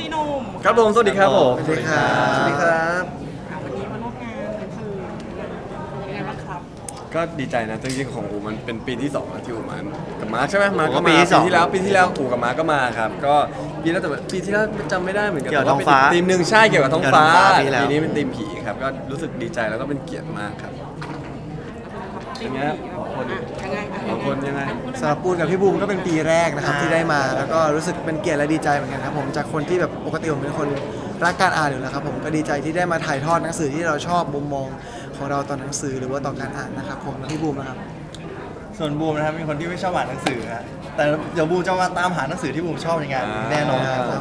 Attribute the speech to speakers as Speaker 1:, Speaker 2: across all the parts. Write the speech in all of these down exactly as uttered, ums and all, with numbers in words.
Speaker 1: หนุ่ม
Speaker 2: ครับผมสวัสดีครับผม
Speaker 3: สวัสดีครับสวัสดีครับ
Speaker 1: อ่ะวันนี้มาร่วมงานหนังสือยังไงบ้างครับ
Speaker 2: ก็ดีใจนะจริงๆของอูมันเป็นปีที่สองแล้วที่อูมากับมาร์คใช่ไหมมาร์ค
Speaker 3: ผม
Speaker 2: ก็
Speaker 3: ก็
Speaker 2: มา
Speaker 3: ปี
Speaker 2: ปี
Speaker 3: ที่สอง
Speaker 2: ที่แล้วปีที่แล้วอูกับมาร์คก็มาครับก็ปีแล้วแต่ปีที่แล้วจำไม่ได้เหมือนกัน
Speaker 3: เกี่ยวกับ
Speaker 2: แต่
Speaker 3: ท้องฟ้า
Speaker 2: เป็นธีมหนึ่งใช่เกี่ยวกับท้องฟ้า
Speaker 3: เกี่ยวกับท้องฟ้าปีแล้ว
Speaker 2: ปีนี้เป็นธีมผีครับก็รู้สึกดีใจแล้วก็เป็นเกียรติมากครับ
Speaker 1: เป็นไงยังไงอ่ะ
Speaker 2: สองคนยังไง
Speaker 3: สำหรับปูนกับพี่บูมก็เป็นปีแรกนะครับที่ได้มาแล้วก็รู้สึกเป็นเกียรติและดีใจเหมือนกันครับผมจากคนที่แบบปกติผมเป็นคนรักการอ่านอยู่แล้วครับผมก็ดีใจที่ได้มาถ่ายทอดหนังสือที่เราชอบมุมมองของเราต่อหนังสือหรือว่าต่อการอ่านนะครับผมพี่บูมนะครับ
Speaker 4: ส่วนบูมนะครับเป็นคนที่ไม่ชอบอ่านหนังสือฮะแต่เดี๋ยวบูมจะมาตามหาหนังสือที่บูมชอบในงานแน่นอนครับ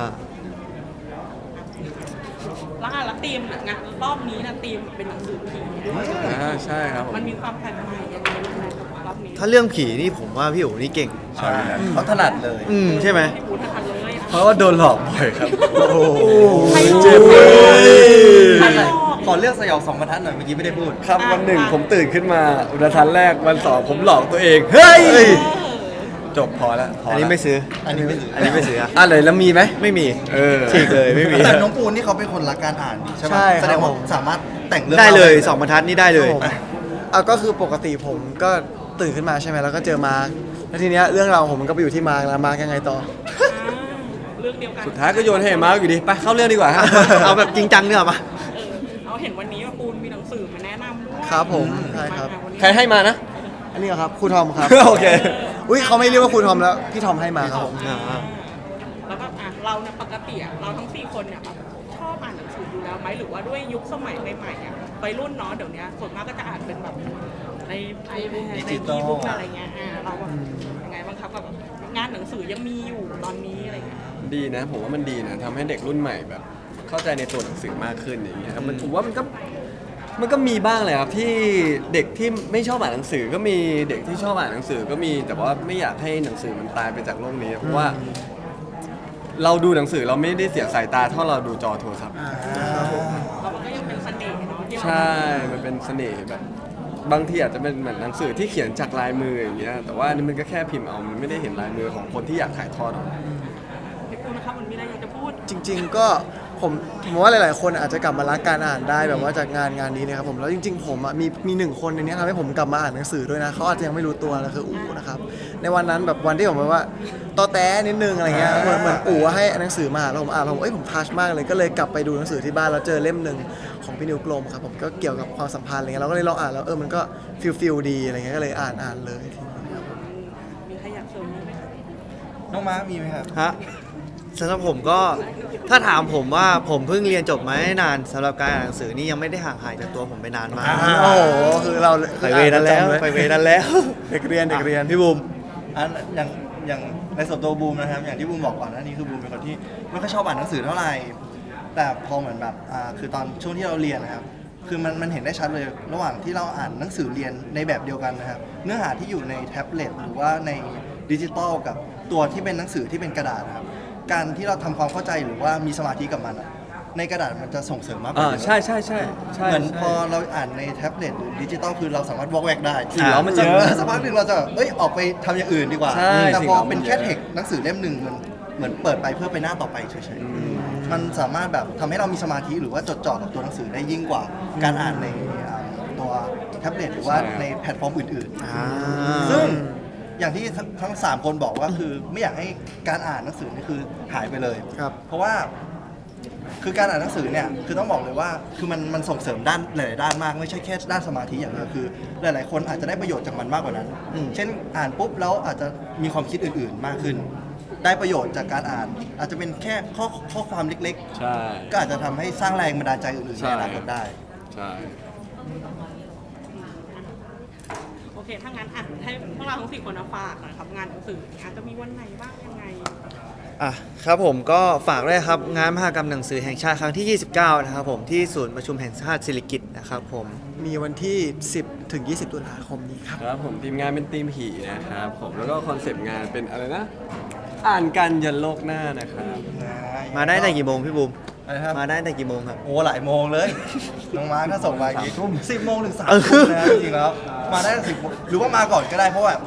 Speaker 1: แล้วอ่ะแล้วธีมงานรอบนี้นะธีมเป็นหนังสือผี
Speaker 2: อ่าใช่ครับผม
Speaker 1: มันมีความแปลกใหม่ยังไงบ้างไหมรอบนี้
Speaker 5: ถ้าเรื่องผีนี่ผมว่าพี่โอ๋นี่เก่ง
Speaker 2: ใช่ครับ
Speaker 4: เขาถนัดเลย
Speaker 5: อืมใช่ไหม
Speaker 1: ที่พูดทันเลย
Speaker 2: เพราะว่าโดนหลอกบ่อยครับ
Speaker 5: โอ้โห
Speaker 1: ใครหลอก
Speaker 2: เจ็บเลย
Speaker 1: ใครหลอก
Speaker 4: ขอเลือกสยองสองบรรทัดหน่อยเมื่อกี้ไม่ได้พูด
Speaker 2: ครับวันหนึ่งผมตื่นขึ้นมาอุทันแรกวันสองผมหลอกตัวเองเฮ้ย
Speaker 1: เออ
Speaker 2: จบพอแล้วพอ
Speaker 5: อัน
Speaker 2: แล้ว
Speaker 5: นี้ไม่ซื้อ
Speaker 4: อันนี้ไม่ถือ
Speaker 5: อันนี้ไม่ซื้ออะ
Speaker 2: อ่ะเลยแล้วมีไหม
Speaker 5: ไม่มี
Speaker 2: เออ
Speaker 5: ฉีกเลยไม่มี
Speaker 4: แต่น้องปูนนี่เขาเป็นคนรักการอ่านนี่ใช่ไหม
Speaker 3: ใช่ครับ
Speaker 4: แสดงว่า
Speaker 3: ผม
Speaker 4: สามารถแต่งเรื่อง
Speaker 5: ได้เลย
Speaker 4: รา
Speaker 5: สองบรรทัดนี่ได้เลย
Speaker 3: ผมอ่ะก็คือปกติผมก็ตื่นขึ้นมาใช่ไหมแล้วก็เจอมาร์คแล้วทีเนี้ยเรื่องราวของผมมันก็ไปอยู่ที่มาร์คแล้วมาร์คยังไงต่อ
Speaker 1: อ่าเรื่องเดียวกัน
Speaker 2: สุดท้ายก็โยนให้มาร์คอยู่ดีไปเข้าเรื่องดีกว่าฮะ
Speaker 5: เอาแบบจริงจังเนี่ยหรอปะ
Speaker 1: เออเอาเห็นวันนี้ว่าปูนมีหนังสือมาแนะนำด้วย
Speaker 3: ครับผมใช่ครับ
Speaker 1: มาวันนี้
Speaker 2: ใครให้มานะ
Speaker 3: อันนี้เหรอครับครูทอมครับ
Speaker 2: โอเค
Speaker 3: อุ้ยเขาไม่เรียกว่าครูทอมแล้วพี่ทอมให้มาครับผม
Speaker 5: อ่า
Speaker 1: แล้วก็อ่ะเราเนี่ยปกติอ่ะเราทั้งสี่คนเนี่ยแบบชอบอ่านหนังสืออยู่แล้วไหมหรือว่าด้วยยุคสมัยใหม่ๆอ่ะวัยรุ่นเนาะเดี๋ยวนี้ส่วนมากก็จะอ่านเป็นแบบในไอแพดในอีบุ๊กอะไรเงี้ยอ่าเราแบบยังไงบ้างครับกับงานหนังสือยังมีอยู่ตอนนี้อะไรเงี้ย
Speaker 2: ดีนะผมว่ามันดีนะทำให้เด็กรุ่นใหม่แบบ เข้าใจในตัวหนังสือมากขึ้นอย่างเงี้ยครับมันผมว่ามันก็มันก็มีบ้างเลยครับที่เด็กที่ไม่ชอบอ่านหนังสือก็มีเด็กที่ชอบอ่านหนังสือก็มีแต่ว่าไม่อยากให้หนังสือมันตายไปจากโลกนี้เพราะว่า เราดูหนังสือเราไม่ได้เสียสายตาเท่าเราดูจอโทรศัพท์
Speaker 1: แล้วมันก็ยังเป็นเสน่ห์เนาะที่เรา
Speaker 2: ใช่ มันเป็นเสน่ห์แบบ บางทีอาจจะเป็นเหมือนหนังสือที่เขียนจากลายมืออย่างเงี้ยแต่ว่าอันนี้มันก็แค่พิมพ์เอามันไม่ได้เห็นลายมือของคนที่อยากถ่ายทอดออกมา
Speaker 1: พี่ปูนะครับมันมีอะไรอยากจะพูด
Speaker 3: จริง ๆ ก็ผมผมว่าหลาย ๆ คนอาจจะกลับมารักการอ่านได้แบบว่าจากงานงานนี้นะครับผมแล้วจริง ๆ ผมอ่ะมีมีหนึ่งคนในนี้ทำให้ผมกลับมาอ่านหนังสือด้วยนะเขาอาจจะยังไม่รู้ตัวนะคืออู๋นะครับในวันนั้นแบบวันที่ผมแบบว่าตอแต้นิดนึงอะไรเงี้ยเหมือนเหมือนอู๋ให้หนังสือมาแล้วผมอ่านแล้วผมเอ้ยผมทัชมากเลยก็เลยกลับไปดูหนังสือที่บ้านแล้วเจอเล่มหนึ่งของพี่นิวกลมครับผมก็เกี่ยวกับความสัมพันธ์อะไรเงี้ยเราก็เลยลองอ่านแล้วเออมันก็ฟิลฟิลดีอะไรเงี้ยก็เลยอ่านอ่านเลยทีนี้ครับ
Speaker 1: มีใครอยากเสริมนี้ไหม
Speaker 4: น้องมาร์คมีไหมครับ
Speaker 5: ฮะสำหรับผมก็ถ้าถามผมว่าผมเพิ่งเรียนจบมาไม่นานสำหรับการอ่านหนังสือนี่ยังไม่ได้ห่างหายจากตัวผมไปนานมาก
Speaker 4: อ่า
Speaker 3: โอ้โหคือเรา
Speaker 5: ไปเวนั้นแล้วไปเวนั้นแล้ว
Speaker 3: เด็กเรียนเด็กเรียน
Speaker 5: พี่บูม
Speaker 4: อันอย่างอย่างในส่วนตัวบูมนะครับอย่างที่บูมบอกก่อนหน้านี้คือบูมเป็นคนที่ไม่ค่อยชอบอ่านหนังสือเท่าไหร่แต่พอเหมือนแบบอ่าคือตอนช่วงที่เราเรียนนะครับคือมันมันเห็นได้ชัดเลยระหว่างที่เราอ่านหนังสือเรียนในแบบเดียวกันนะครับเนื้อหาที่อยู่ในแท็บเล็ตหรือว่าในดิจิตอลกับตัวที่เป็นหนังสือที่เป็นกระดาษนะครับการที่เราทำความเข้าใจหรือว่ามีสมาธิกับมันอะในกระดาษมันจะส่งเสริมมากกว่า
Speaker 2: อ่า
Speaker 4: เยอะ
Speaker 2: ใช่ใช่ใช่ใช่
Speaker 4: เหมือนพอ
Speaker 2: ใช่
Speaker 4: เราอ่านในแท็บเล็ตหรือดิจิตอลคือเราสามารถวอกแวกได้
Speaker 2: สิ่งเร้ามันเยอะ
Speaker 4: สักพักหนึ่งเราจะแบบเอ้ยออกไปทำอย่างอื่นดีกว่า
Speaker 2: ใช่
Speaker 4: แต่
Speaker 2: สิ่ง
Speaker 4: พอ
Speaker 2: เร้ามัน
Speaker 4: เป็นแค่
Speaker 2: เยอะ
Speaker 4: เทคหนังสือเล่มหนึ่งมันเหมือนเปิดไปเพื่อไปหน้าต่อไปเฉยๆมันสามารถแบบทำให้เรามีสมาธิหรือว่าจดจ่อกับตัวหนังสือได้ยิ่งกว่าการอ่านในอ่าตัวแท็บเล็ตหรือว่าในแพลตฟอร์มอื่น
Speaker 5: อ่า
Speaker 4: ๆ ซึ่งอย่างที่ทั้งทั้งสามคนบอกว่าคือไม่อยากให้การอ่านหนังสือนี่คือหายไปเลย
Speaker 3: ครับ
Speaker 4: เพราะว่าคือการอ่านหนังสือเนี่ยคือต้องบอกเลยว่าคือมันมันส่งเสริมด้านหลายๆด้านมากไม่ใช่แค่ด้านสมาธิอย่างเดียวคือ หลายๆคนอาจจะได้ประโยชน์จากมันมากกว่านั้น
Speaker 5: อืม
Speaker 4: เช่นอ่านปุ๊บแล้วอาจจะมีความคิดอื่นๆมากขึ้น ได้ประโยชน์จากการอ่าน อาจจะเป็นแค่ข้อข้อความเล็ก
Speaker 2: ใช่
Speaker 4: ๆ ก็อาจจะทำให้สร้างแรงบันดาลใจอื่นๆในอนาคตได้
Speaker 2: ใช่
Speaker 1: โอเคถ้างั้นอ่ะให้พวกเราทั้งสี่คนนะฝากหน่อยครับงานหนังสืออาจจะมีวันไหนบ้างยังไง
Speaker 5: อ่ะครับผมก็ฝากด้วยครับงานมหกรรมหนังสือแห่งชาติครั้งที่ ยี่สิบเก้า นะครับผมที่ศูนย์ประชุมแห่งชาติศิริกิติ์นะครับผม
Speaker 3: มีวันที่ สิบ ถึง ยี่สิบ ตุลาคมนี้ครับ
Speaker 2: ครับผมทีมงานเป็นทีมผีนะครับผมแล้วก็คอนเซปต์งานเป็นอะไรนะ อ่านกันยันโลกหน้านะครับ
Speaker 5: มาได้แต่กี่โมงพี่บูม
Speaker 4: อะไรครับ
Speaker 5: มาได้แต่กี่โมงครับ
Speaker 4: โอ้หลายโมงเลย น้องมาร์คก็ส่งมากี่ทุ่มสิบโมงถึงสาม
Speaker 5: เออ
Speaker 4: ทุ่มนะจริงๆแล้วมาได้สิบหรือว่ามาก่อนก็ได้เพราะว่า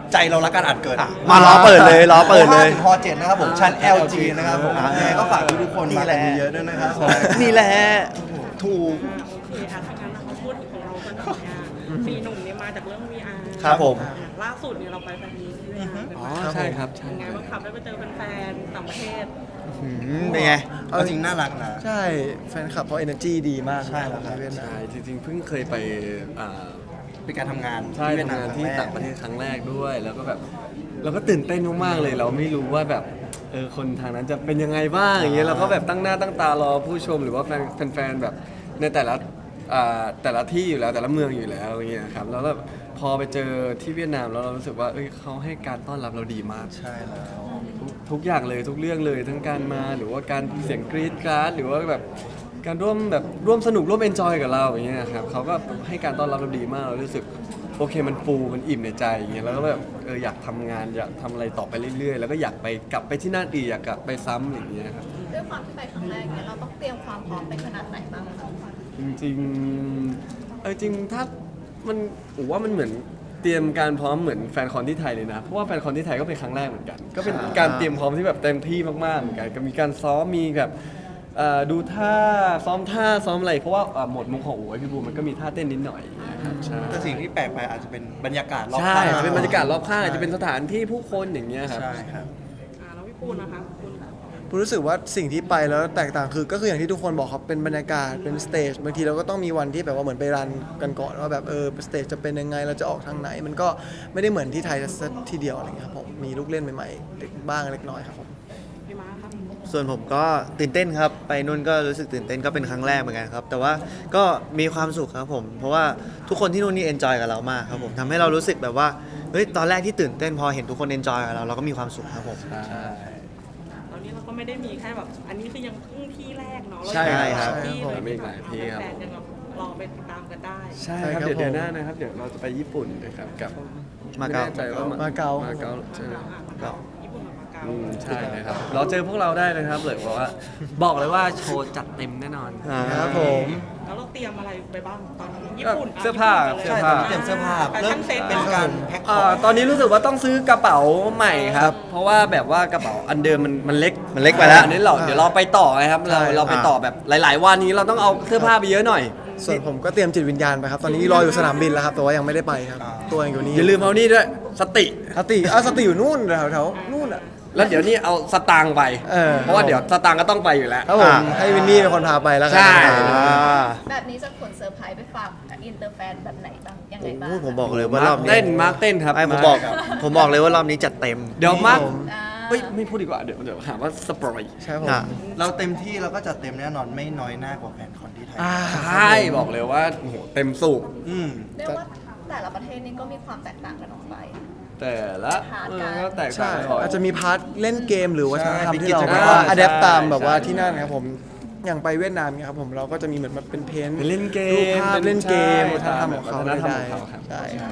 Speaker 4: ใจเรารักการอ่านเกิน
Speaker 5: อ่ะมารอเปิดเลยรอเปิดเลย
Speaker 4: พอเจ็ดนะครับผมชั้น แอล จี นะครับผมยังไงก็ฝากทุกๆคนมากันเยอะๆด้วยนะครับผม
Speaker 5: นี่แหละถูก
Speaker 1: โอเคอ่ะถ้างั้นเราพูดของเรากันหน่อยอ่ะสี่หนุ่มเนี่ยมาจากเรื่อง วี อาร์
Speaker 5: ครับผม
Speaker 1: ล่าสุดเนี่ยเราไปแฟนมีตที่เวียดนามกัน
Speaker 2: อ๋อ
Speaker 1: มา
Speaker 2: ใช่ครับใช่
Speaker 1: เป็นไงบ้างครับได้ไปเจอแฟนๆต่างประเทศ
Speaker 5: อืมเป็นไง
Speaker 4: เอาจริงน่ารักนะ
Speaker 3: ใช่แฟนคลับเขา energy ดีมาก
Speaker 4: ใช่ครับ
Speaker 3: ในเวียดนาม
Speaker 2: ใช่จริงๆเพิ่งเคยไปอ่า
Speaker 4: เป็นการทำงาน
Speaker 2: ใช่
Speaker 4: ที่เวียด
Speaker 2: ทำ
Speaker 4: นาม
Speaker 2: งาน
Speaker 4: ครั้
Speaker 2: ที่
Speaker 4: แรก
Speaker 2: ต่างประเทศครั้งแรกด้วย แล้วก็แบบเราก็ตื่นเต้นมากๆเลย เราไม่รู้ว่าแบบเออคนทางนั้นจะเป็นยังไงบ้างอย่างเงี้ยเราก็แบบตั้งหน้าตั้งตารอผู้ชมหรือว่าแฟนแฟนๆแบบในแต่ละอ่าแต่ละที่อยู่แล้วแต่ละเมืองอยู่แล้วอย่างเงี้ยครับแล้วแบบพอไปเจอที่เวียดนามแล้วเรารู้สึกว่าเอ้ยเขาให้การต้อนรับเราดีมาก
Speaker 4: ใช่แล้ว
Speaker 2: ทุกทุกอย่างเลยทุกเรื่องเลยทั้งการมาหรือว่าการเสียงกรี๊ดกราดหรือว่าแบบการร่วมแบบร่วมสนุกร่วมเอนจอยกับเราอย่างเงี้ยครับเขาก็ให้การต้อนรับเราดีมากเรารู้สึกโอเคมันฟูมันอิ่มในใจอย่างเงี้ยแล้วก็แบบเอออยากทำงานอยากทำอะไรต่อไปเรื่อยๆ แล้วก็อยากไปกลับไปที่นั่นอีกอยากกลับไปซ้ำอย่างเงี้ยครับ
Speaker 6: ด้วยความที่ไปครั้งแรกเนี่ยเราต้องเตรียมความพร้อมไปขนาดไหนบ้างคะ
Speaker 2: จริงๆเออจริงถ้ามันผมว่ามันเหมือนเตรียมการพร้อมเหมือนแฟนคอนที่ไทยเลยนะเพราะว่าแฟนคอนที่ไทยก็เป็นครั้งแรกเหมือนกัน ก็เป็นการเตรียมพร้อมที่แบบเต็มที่มากๆเหมือนกันก็มีการซ้อมมีแบบเอ่อดูท่าซ้อมท่าซ้อมอะไรเพราะว่าเอ่อหมดมุกของโอ้ยพี่บูมมันก็มีท่าเต้นนิดหน่อยอย่างเงี้ยครับใช่
Speaker 4: แต่สิ่งที่แปลกไปอาจจะเป็นบรรยากาศรอบ
Speaker 2: ใช่
Speaker 4: ข้าง
Speaker 2: จะเป็นบรรยากาศรอบข้างอาจจะเป็นสถานที่ผู้คนอย่างเงี้ยครับ
Speaker 4: ใช่ครับ
Speaker 1: อ่าแล้วพี่ปูนนะคะคุณ
Speaker 3: ผมรู้สึกว่าสิ่งที่ไปแล้วแตกต่างคือก็คืออย่างที่ทุกคนบอกครับเป็นบรรยากาศเป็นสเตจบางทีเราก็ต้องมีวันที่แบบว่าเหมือนไปรันกันก่อนว่าแบบเออสเตจจะเป็นยังไงเราจะออกทางไหน มันก็ไม่ได้เหมือนที่ไทยสักทีเดียวอะไรเงี้ยครับผมมีลูกเล่นใหม่ๆเล็กบ้างเล็กน้อยครับผม
Speaker 1: พี่ม้าครับ
Speaker 5: ส่วนผมก็ตื่นเต้นครับไปนู่นก็รู้สึกตื่นเต้นก็เป็นครั้งแรกเหมือนกันครับแต่ว่าก็มีความสุขครับผมเพราะว่าทุกคนที่นู่นนี่เอนจอยกับเรามากครับผมทำให้เรารู้สึกแบบว่าเฮ้ยตอนแรกที่ตื่นเต้นพอเห็นทุกคนเอนจอยกับเราเราก็มีความสุขครับผม
Speaker 1: ตอนนี้เราก็ไม่ได้มีแค่แบบอันนี้คือยังเพิ่งที่แรกเนาะ
Speaker 2: ใช่ครับ
Speaker 1: ที่
Speaker 2: ใช่ครับ
Speaker 1: เลย
Speaker 2: มีอีกหลายที่ครับ
Speaker 1: แฟนๆยังแบบรอไปติดตามกันได้
Speaker 2: ใช่ครับ
Speaker 3: ใช่ครับ
Speaker 2: เดี๋ยวเดือน
Speaker 3: ผม
Speaker 2: หน้านะครับเดี๋ยวเราจะไปญี่ปุ่นนะครับกับ
Speaker 5: มาเก๊า
Speaker 2: ไแน่ใจว่า
Speaker 3: มาเก๊า
Speaker 2: มาเก๊าใช่ไหม
Speaker 1: อ่ะมาเก๊าญี่ปุ่นกับมาเก๊า
Speaker 2: อืมใช่นะครับเราเจอพวกเราได้นะครับเลยบอกว่าบอกเลยว่าโชว์จัดเต็มแน่นอน
Speaker 5: อ่า
Speaker 3: ครับผม
Speaker 1: แล้วเราเตรียมอะไรไปบ้างตอนนี้ญี่ปุ่น
Speaker 2: เสื้อผ้า
Speaker 1: ญี่ปุ่น
Speaker 2: เสื้อ
Speaker 4: ใช่
Speaker 2: ผ้า
Speaker 4: ตอนนี้เตรียมเสื้อผ้า
Speaker 1: แฟ
Speaker 4: เริ่
Speaker 1: ชั่
Speaker 4: ม
Speaker 1: นเซ็ต
Speaker 4: เป็นการแพ็คข
Speaker 2: เอ่
Speaker 4: อง
Speaker 2: อตอนนี้รู้สึกว่าต้องซื้อกระเป๋าใหม่ครับ เพราะว่าแบบว่ากระเป๋าอันเดิมมันมันเล็ก
Speaker 5: มันเล็กไปแล้ว
Speaker 2: อันนี้เราเดี๋ยวเราไปต่อนะครับเรา
Speaker 3: ใช่
Speaker 2: เราไปต่อแบบหลาย ๆ วันนี้เราต้องเอาเสื้อผ้าไปเยอะหน่อย
Speaker 3: ส่วนผมก็เตรียมจิตวิญญาณไปครับตอนนี้รออยู่สนามบินแล้วครับแต่ว่ายังไม่ได้ไปครับตัวยังอยู่นี่
Speaker 2: อย่าลืมเอานี่ด้วยสติ
Speaker 3: สติอ่ะสติอยู่นู่นแถวแถวๆนู่นอ่ะ
Speaker 2: แล้วเดี๋ยวนี่เอาสตางค์ไป
Speaker 3: เออ
Speaker 2: เพราะว่าเดี๋ยวสตางค์ก็ต้องไปอยู่แล้ว
Speaker 3: ครับผมให้วินนี่เป็นคนพาไปแล้วกั
Speaker 2: ใช่
Speaker 5: อ่า
Speaker 6: แบบนี้จะขนเซอร์ไพรส์ไปฝากอินเตอร์แฟนแบบไหนบ้างยังไงบ้าง
Speaker 5: โอ้ยผมบอกเลยว่ารอบนี้
Speaker 2: เต้นมาร์คเต้นครับ
Speaker 5: ไอ้ผมบอกผมบอกเลยว่ารอบนี้จัดเต็ม
Speaker 2: เดี๋ยวมาร์ค
Speaker 3: ผม
Speaker 6: อ่า
Speaker 2: เฮ้ยไม่พูดดีกว่าเดี๋ยวเดี๋ยวหาว่าสปอย
Speaker 3: ใช่ผม
Speaker 5: อ่ะ
Speaker 4: เราเต็มที่เราก็จัดเต็มแน่นอนไม่น้อยหน้ากว่าแฟนคอนที่ไทย
Speaker 3: อ่า
Speaker 2: ใช่บอกเลยว่าโอ้โหเต็มสูบ
Speaker 4: อืม
Speaker 6: เรียกว่าแต่ละประเทศนี่ก็มีความแตกต่างกันออกไป
Speaker 2: แต่ละเออก็แตกต่า
Speaker 3: ใช่
Speaker 2: งกัน
Speaker 3: อาจจะมีพาร์ทเล่นเกมหรือวัฒนธรรม
Speaker 4: ใช่
Speaker 3: ที่เรา
Speaker 4: เป็นกิจกรรม
Speaker 3: แบบว่าอัดแอปตามแบบว่า
Speaker 2: ใช่
Speaker 3: ที่นั่นครับผมอย่างไปเวียดนามเนี่ยครับผมเราก็จะมีเหมือนแบบเป็นเพนท์
Speaker 2: เป็นเล่นเกม
Speaker 3: รูปภาพเล่นเกม
Speaker 2: ใช่
Speaker 3: วัฒนธรรมของเขา
Speaker 2: วัฒนธรรม
Speaker 3: ได้
Speaker 2: ของเขาครับ
Speaker 3: ใช่ครับ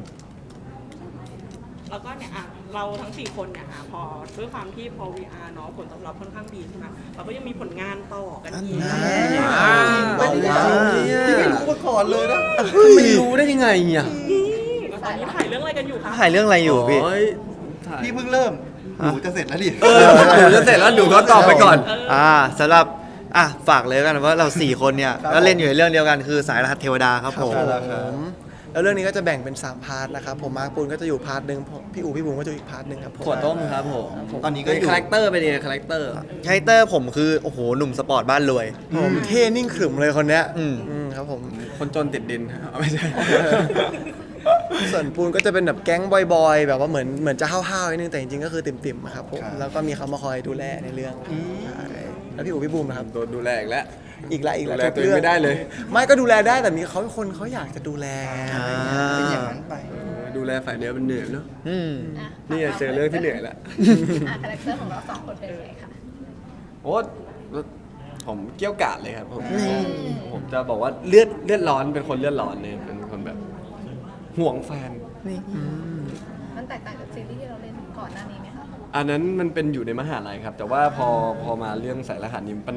Speaker 1: แล้วก็เนี่ยอ่ะเราทั้งสี่คนเนี่ยอ่ะพอด้วยความที่พอ วี อาร์ เนาะผลตอบรับค่อนข้างดีใช่ไหมเราก็ยังมีผลงานต่อกันอีก
Speaker 2: อ่า
Speaker 4: ไม่ได้ที่ไม่รู้มาก่อนเลยนะ
Speaker 2: ไม่รู้ได้ยังไงเนี่ย
Speaker 1: อืมแล้วตอนนี้ถ่ายเรื่องอะไรกันอยู่คะ
Speaker 5: ถ่ายเรื่องอะไรอยู่พี่
Speaker 2: โยถ่าย
Speaker 4: พี่เพิ่งเริ่มหนูจะเสร็จแล้วดิ
Speaker 2: เออหนูจะเสร็จแล้วหนูก็ตอบไปก่อน
Speaker 5: อ่าสำหรับอ่ะฝากเลยกันว่าเราสี่คนเนี่ย
Speaker 4: ครับ
Speaker 5: ก็เล่นอยู่ในเรื่องเดียวกันคือสายรหัสเทวดาครับผม
Speaker 4: ใช่แล้วครับ
Speaker 3: ผมแล้วเรื่องนี้ก็จะแบ่งเป็นสามพาร์ทนะครับผมมาร์คปูนก็จะอยู่พาร์ทหนึ่งพี่อู๋พี่บุ๋มก็จะอยู่อีกพาร์ทหนึ่งครับผม
Speaker 2: ขวดต้มครับผม
Speaker 4: ตอนนี้ก็
Speaker 2: เป็น
Speaker 4: อยู่
Speaker 2: คาแรคเตอร์เป็นยังไงคาแรคเตอร์
Speaker 5: คาแรคเตอร์ผมคือโอ้โหหนุ่มสปอร์ตบ้านรวย
Speaker 3: ผมเท่นิ่งขรึมเลยคนเนี้ย
Speaker 5: อืม
Speaker 3: อืมครับผม
Speaker 2: คนจนติดดินเอาไม่ใช่
Speaker 3: ส่วนปูนก็จะเป็นแบบแก๊งบอยๆแบบว่าเหมือนเหมือนจะห้าวๆนิดนึงแต่จริงๆก็คือติ่มๆครับผม
Speaker 4: ครับ
Speaker 3: แล้วก็มีเขามาคอยดูแลในเรื่องใช่แล้วพี่อู๋พี่บูมนะครับ
Speaker 2: โดนดูแลอีกแล้ว
Speaker 3: อีกละอีกละ
Speaker 2: ดูแลตัวเองไม่ได้เลย
Speaker 3: ไม่ก็ดูแลได้แต่มีเขาคนเขาอยากจะดูแล
Speaker 5: อ่า
Speaker 4: เป็นอย่างนั้นไป
Speaker 2: ดูแลฝ่ายเนื้อมันเหนื่อยเนาะ
Speaker 5: อืม
Speaker 6: อ่ะ
Speaker 2: นี่ไงเจอเรื่องที่เหนื่อยแล้ว
Speaker 6: อ่ะคาแรคเตอร์ของเราสองคนเป็นยังไงคะ
Speaker 2: โอ้ผมเกี้ยวกาดเลยครับผมผมจะบอกว่าเลือดเลือดร้อนเป็นคนเลือดร้อนเนี่ยเป็นคนแบบห่วงแฟน
Speaker 6: มันแตกต่างจากซีรีส์ที่เราเล่นก่อนหน้านี้ไหมคะ
Speaker 2: อันนั้นมันเป็นอยู่ในมหาลัยครับ แต่ว่าพอพอมาเรื่องสายรหัสนี้มัน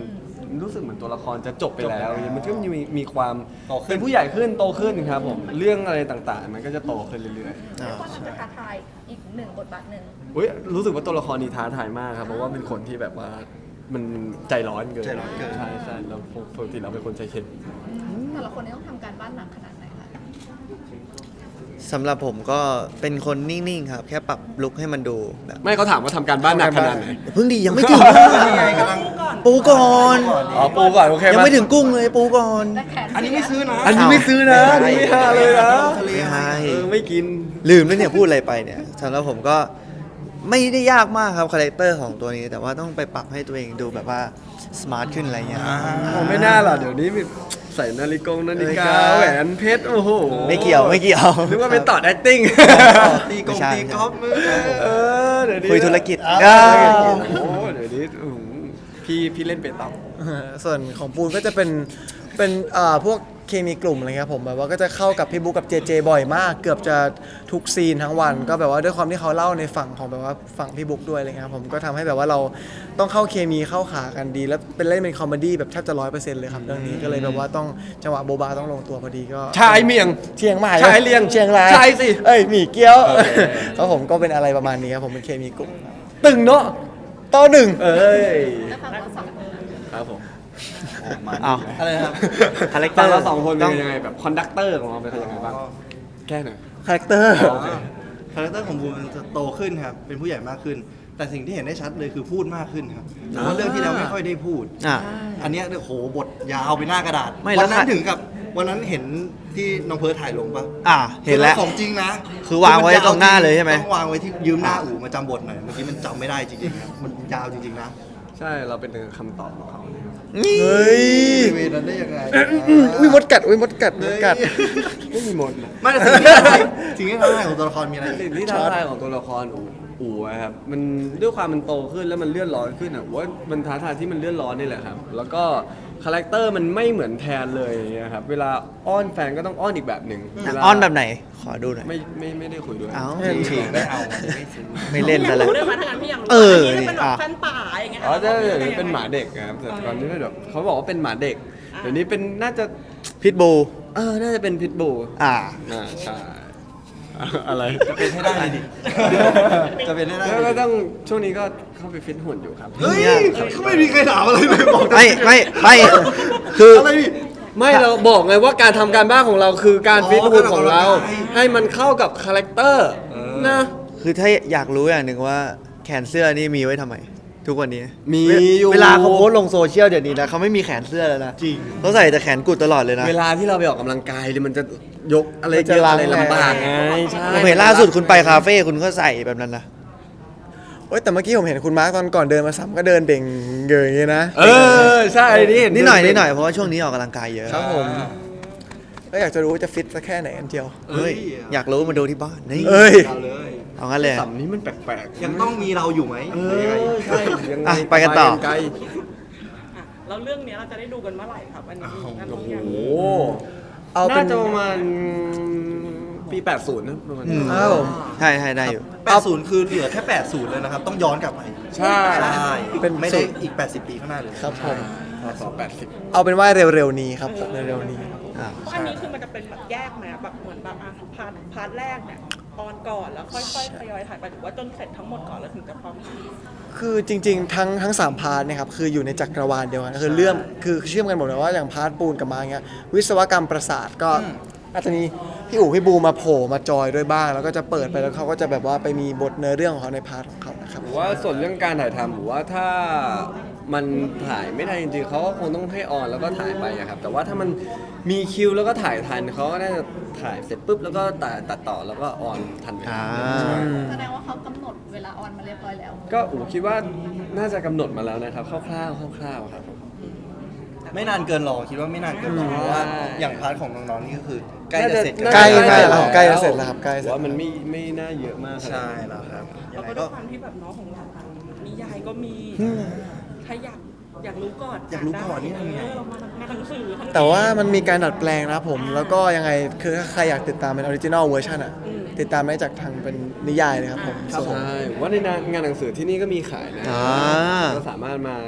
Speaker 2: รู้สึกเหมือนตัวละครจะจบไปแล้วมันก็มีมีความ
Speaker 4: โตขึ้น
Speaker 2: เป็นผู้ใหญ่ขึ้นโตขึ้นครับผมเรื่องอะไรต่างๆ มันก็จะโตขึ้นเรื่อยๆ
Speaker 5: อ่า
Speaker 6: ก็น่าจะท้าทายอีกหนึ่งบทบาทหนึ่ง
Speaker 2: อุ๊ยรู้สึกว่าตัวละครนี้ท้าทายมากครับเพราะว่าเป็นคนที่แบบว่ามันใจร้อนเกิน
Speaker 4: ใจร้อนเกิน
Speaker 2: ใช่ใช่เราปกติเราเป็นคนใจเข็ม
Speaker 6: แต่ละคนนี่ต้องทำการบ้านหนักขนาดไหนคะ
Speaker 5: สำหรับผมก็เป็นคนนิ่งๆครับ แค่ปรับลุคให้มันดูแบบ
Speaker 2: ไม่เขาถามว่าทำการบ้านหนักขนาดไหน
Speaker 5: เพิ่งดียังไม่ถึง
Speaker 4: นี่ไงกำลัง
Speaker 5: ปูก่อน
Speaker 2: อ๋อปูก่อนโอเค
Speaker 5: ยังไม่ถึงกุ้งเลยปูก่อน
Speaker 6: แต่แขน
Speaker 4: อันนี้ไม่ซื้อนะ
Speaker 2: อันนี้ไม่ซื้อนะอันนี้ไม่ห้าเลยนะ
Speaker 4: ทะเล
Speaker 5: ไม่ให้
Speaker 2: เออไม่กิน
Speaker 5: ลืมแล้วเนี่ยพูดอะไรไปเนี่ยสำหรับผมก็ไม่ได้ยากมากครับคาแรคเตอร์ของตัวนี้ แต่ว่าต้องไปปรับให้ตัวเองดูแบบว่าสมาร์ทขึ้นอะไรเงี้ย
Speaker 2: โอ้ไม่น่าหรอกเดี๋ยวนี้มีใส่นาฬิกงนาฬิกา
Speaker 5: นาฬิกา
Speaker 2: แหวนเพชรโอ้โห
Speaker 5: ไม่เกี่ยวไม่เกี่ยว
Speaker 2: นึกว่าเป็นต่อ acting
Speaker 4: ตีกง
Speaker 5: ไม่ใช่
Speaker 4: ตีกอล์ฟมือ
Speaker 2: เออเดี๋ยวนี้
Speaker 5: คุยธุรกิจ
Speaker 2: อ้าว
Speaker 5: อ้าว
Speaker 2: โอ้โหเดี๋ยวนี้อื้อหือพี่พี่เล่นเป็นต่อ
Speaker 3: ส่วนของปูนก็จะเป็นเป็นอ่าพวกเคมีกลุ่มอะไรเงี้ยผมแบบว่าก็จะเข้ากับพี่บุ๊กกับเจเจบ่อยมาก เกือบจะทุกซีนทั้งวัน ก็แบบว่าด้วยความที่เขาเล่าในฝั่งของแบบว่าฝั่งพี่บุ๊กด้วยอะไรเงี้ยครับผมก็ทำให้แบบว่าเราต้องเข้าเคมีเข้าขากันดี แล้วเป็นเล่นเป็นคอมเมดี้แบบแทบจะร้อยเปอร์เซ็นต์เลยครับเรื่องนี้ก็เลยแบบว่าต้องจังหวะโบบาต้องลงตัวพอดีก็
Speaker 2: ชายเมียง
Speaker 3: เชียงใหม่
Speaker 2: ชายเลียง
Speaker 3: เชียงราย
Speaker 2: ชายสิ
Speaker 3: เอ้ยหมี่เกี๊ยว
Speaker 2: โอเค
Speaker 3: แล้วผมก็เป็นอะไรประมาณนี้ครับผมเป็นเคมีกลุ่ม
Speaker 2: ตึงเนาะ
Speaker 3: ต่อหนึ่ง
Speaker 2: เอ้ย
Speaker 6: แล้วฟังว่าสอง
Speaker 2: ครับผม
Speaker 5: อ้าว
Speaker 4: อะไรครับ
Speaker 5: คาแรคเต
Speaker 2: ต
Speaker 5: อ
Speaker 2: อน
Speaker 5: ร์
Speaker 2: เราสองคน
Speaker 5: ต้
Speaker 2: เป็
Speaker 5: อง
Speaker 2: นยังไงแบบคอนดักเตอร์ของเราเป็นยังไงบ้างแก้หน่อย
Speaker 3: คาแรคเตอร์
Speaker 4: คาแรคเตอร์ของบูมมันจะโตขึ้นครับ เป็นผู้ใหญ่มากขึ้น แต่สิ่งที่เห็นได้ชัดเลยคือพูดมากขึ้นครับเพราะว่าเรื่องที่แล้วไม่ค่อยได้พูด
Speaker 5: อ่ะ
Speaker 4: อันเนี้ยเนี่ยโหบทยาวไปหน้ากระดาษ
Speaker 5: ไม่แล้ว
Speaker 4: วันนั้
Speaker 5: ค่ะ
Speaker 4: นถึงกับวันนั้นเห็นที่น้องเพิร์ทถ่ายลงปะ
Speaker 5: อ่ะเห็นแล้ว
Speaker 4: คือของจริงนะ
Speaker 5: คือวางไว้ตรงหน้าเลยใช่ไหม
Speaker 4: ต้องวางไว้ที่ยืมหน้าอู่มาจำบทหน่อย เมื่อกี้มันจำไม่ได้จริงๆครับมันยาวจริงๆนะ
Speaker 2: ใช่เราเป็นคำตอบของเขาเลยครับ
Speaker 3: เฮ้ย
Speaker 4: เวนั้นได้ยังไง
Speaker 3: อุ้ยมดกัดอุ้ยมดกัดมดกัด
Speaker 2: ไม่มีมดนะ
Speaker 4: ไม่แต่สิ่งที่ท้าทายสิ่งที่ท้าทายของตัวละครมีอะไรอีก
Speaker 2: สิ่งที่ท้าทายของตัวละครอูอูอะครับมันด้วยความมันโตขึ้นแล้วมันเลื่อนร้อนขึ้นอ่ะผมว่ามันท้าทายที่มันเลื่อนร้อนนี่แหละครับแล้วก็คาแรคเตอร์มันไม่เหมือนแทนเลยนะครับเวลาอ้อนแฟนก็ต้องอ้อนอีกแบบหนึ่งเวลา
Speaker 5: อ้อนแบบไหน ขอดูหน่อย
Speaker 2: ไม่ไม่ไม่ได้คุยด้วย
Speaker 5: เอ้า
Speaker 4: ฉีกไม่เอาไม่ซื้อ
Speaker 5: ไม่เล่น
Speaker 1: อยา
Speaker 5: ซะ
Speaker 1: ก
Speaker 5: แล้ว
Speaker 1: รู้ด้วยมาทางนั้นพี่อยากรู้
Speaker 5: เออ
Speaker 1: อันนี้เป็นแบบ
Speaker 5: อ่ะ
Speaker 1: แฟนป่าอย่างเงี้ย
Speaker 2: อ๋อใช่
Speaker 1: รา
Speaker 2: เดี๋ยว
Speaker 1: ได้
Speaker 2: นี้
Speaker 1: ยังไง
Speaker 2: เป็นหมาเด็กครับแต่ตอนนี้แบบเขาบอกว่าเป็นหมาเด็กเดี๋ยวนี้เป็นน่าจะ
Speaker 5: พิทบู
Speaker 2: เออน่าจะเป็นพิทบู
Speaker 5: อ่า
Speaker 2: อ่าใช่อะไร
Speaker 4: จะเป็นให้ได้เลยดิ จะเป็นให้ได้
Speaker 2: แล้ว
Speaker 4: เล
Speaker 2: ก็
Speaker 4: ย
Speaker 2: ต้องช่วงนี้ก็เข้าไปฟิตหุ่นอยู่ครับ
Speaker 4: เฮ้ยเขาไม่มีใครถามอะไรเลยบอก
Speaker 5: ไม่ไม่ไม่คือ
Speaker 4: อะไรดิ
Speaker 2: ไม่เราบอกไงว่าการทำการบ้านของเราคือการ
Speaker 4: อ๋อ
Speaker 2: ฟิตหุ่นของเรา
Speaker 4: การออกกำลังกาย
Speaker 2: ให้มันเข้ากับคาแรคเตอร์นะ
Speaker 5: คือถ้าอยากรู้อย่างหนึ่งว่าแขนเสื้อนี่มีไว้ทำไม ทุกวันนี้
Speaker 2: มี
Speaker 5: เว
Speaker 2: อยู่
Speaker 5: เวลาเขาโพสต์ลงโซเชียลเดี๋ยวนี้นะเขาไม่มีแขนเสื้อแล้วนะ
Speaker 4: จริง
Speaker 5: เขาใส่แต่แขนกุดตลอดเลยนะ
Speaker 2: เวลาที่เราไปออกกำลังกายเนี่ยมันจะยกอะไร
Speaker 3: มันจะ
Speaker 2: เยอะอะไร
Speaker 3: ล้าง
Speaker 2: ลำบากไงใช่
Speaker 5: ผมเห็นล่าสุดคุณไปคาเฟ่คุณก็ใส่แบบนั้นนะ
Speaker 3: โอ้ยแต่เมื่อกี้ผมเห็นคุณมาร์คตอนก่อนเดินมาซ้ำก็เดินเบ่งเกยอย่างเงี้ยนะ
Speaker 2: เออใช่นี่เห็น
Speaker 5: นิดหน่อยนิดหน่อยเพราะว่าช่วงนี้ออกกำลังกายเยอะ
Speaker 3: ครับผมก็อยากจะรู้ว่าจะฟิตสักแค่ไหนกันเจียว
Speaker 5: เฮ้ยอยากรู้มาดูที่บ้านนี่
Speaker 3: เอ้ย
Speaker 4: เอาเลย
Speaker 5: เอางั้นเลย
Speaker 2: สัมนี้มันแปลกๆ
Speaker 4: ยังต้องมีเราอยู่ไหม
Speaker 2: เอ
Speaker 4: หรือยังไง
Speaker 2: อใช่ยังไง
Speaker 5: อ่ะไปกันต่อ
Speaker 2: ไกล
Speaker 1: อ่ะแล้วเรื่องเนี้ยเราจะได้ดูกันเมื่อไหร่ครับอันนี้อัน
Speaker 2: โอ้
Speaker 1: นี้
Speaker 2: โห
Speaker 1: ยัง
Speaker 3: เอาเป็
Speaker 2: น่าน จะประมาณปีแปดสิบนะประมาณ
Speaker 5: อื
Speaker 2: นี้
Speaker 5: ม
Speaker 3: อ้าว
Speaker 5: ใช่ใช่ได้อยู่
Speaker 4: แปดสิบคือเหลือแค่แปดสิบเลยนะครับ ต้องย้อนกลับไป
Speaker 2: ใช่
Speaker 4: ใช่
Speaker 3: เป็น
Speaker 4: ไม่ได้อีกแปดสิบปีข้างหน้าเลย
Speaker 3: ครับผม
Speaker 2: สองแปดสิบ
Speaker 3: เอาเป็นว่าเร็วๆนี้ครับผมเร็วๆนี้ครับผม
Speaker 5: อ่า
Speaker 1: เพราะอันนี้คือมันจะเป็นแบบแยกไหมแบบเหมือนแบบอ่ะพาร์ทพาร์ทแรกเนี่ยออนก่อนแล้วค่อยๆทยอยถ่ายไปหรือว่าจนเสร็จทั้งหมดก่อนแล้วถึงจะพร้อมถ่าย
Speaker 3: คือจริง ๆ ทั้งทั้งสามพาร์ทเนะครับคืออยู่ในจักรวาลเดียวกันคือเรื่องคือเชื่อมกันหมดเลยว่าอย่างพาร์ทปูนกับมาเงี้ยวิศวกรรมประสาทก็อาจจะมีพี่อู๋พี่บูมาโผล่มาจอยด้วยบ้าง แล้วก็จะเปิดไปแล้วเขาก็จะแบบว่าไปมีบทเนื้อเรื่องของเขาในพาร์ทของเขานะครับ
Speaker 2: ผมว่าส่วนเรื่องการถ่ายทำผมว่าถ้ามันถ่ายไม่ได้จริงๆเขาก็คงต้องให้ออนแล้วก็ถ่ายไปอะครับแต่ว่าถ้ามันมีคิวแล้วก็ถ่ายทันเขาก็น่าจะถ่ายเสร็จปุ๊บแล้วก็ตัดตัดต่อแล้วก็ออนทันเวลา
Speaker 5: อ่า
Speaker 6: แสดงว่าเขากำหนดเวลาออนมาเรียบร้อยแล้ว
Speaker 2: ก็อูคิดว่าน่าจะกำหนดมาแล้วนะครับคร่าวๆคร่าวๆครับผม
Speaker 4: ไม่นานเกินหรอกคิดว่าไม่นานเกินหรอกเพราะว่าอย่างพาร์ทของน้องๆนี่ก็คือใกล้จะเสร็จ
Speaker 2: น่า
Speaker 3: ใกล้
Speaker 2: น่า
Speaker 3: ใกล้
Speaker 2: จะ
Speaker 3: แล้วใกล้จะเสร็จแล้วครับใกล้เสร็จ
Speaker 2: ว่ามันไม่ไม่น่าเยอะมากขนาด
Speaker 4: ใช่
Speaker 2: นั้น
Speaker 4: แล้วครับยั
Speaker 1: แล้ว
Speaker 4: งไง
Speaker 1: ก็ด้
Speaker 4: ก็
Speaker 1: วยความที่แบบน้องของเรานิยายก็มีใครอยากอยากรู้ก่อน
Speaker 4: อยากรู้ก่อนนี่ทำไง
Speaker 1: เออเรามามาหนังสือทั้ง
Speaker 3: แต่ว่ามันมีการดัดแปลงนะครับผม แล้วก็ยังไงคือถ้าใครอยากติดตามเป็นออริจินอลเวอร์ชันอ่ะติดตามได้จากทางเป็นนิยายเลยครับผม
Speaker 2: ใช่ว่าในงานหนังสือที่นี่ก็มีขายนะ
Speaker 5: อ่า
Speaker 2: ก็สามารถมา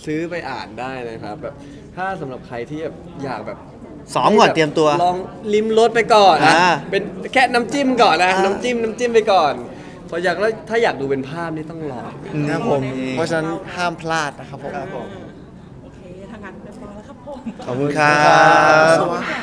Speaker 2: ซื้อไปอ่านได้นะครับแบบถ้าสำหรับใครที่แบบอยากแบบ
Speaker 5: ซ้อมก่อนเตรียมตัว
Speaker 2: ลองลิมรสไปก่อนนะ
Speaker 5: อ่า
Speaker 2: เป็นแค่น้ำจิ้มก่อนนะน้ำจิ้มน้ำจิ้มไปก่อนพออยากแล้วถ้าอยากดูเป็นภาพนี่ต้องรอ
Speaker 3: ครับผม เพราะฉะนั้นห้ามพลาดนะครับผม
Speaker 4: ครับผม
Speaker 1: โอเคทางงานเรียบร้อยแล้วครับผม
Speaker 5: ขอบคุณครับ
Speaker 3: สวัสดี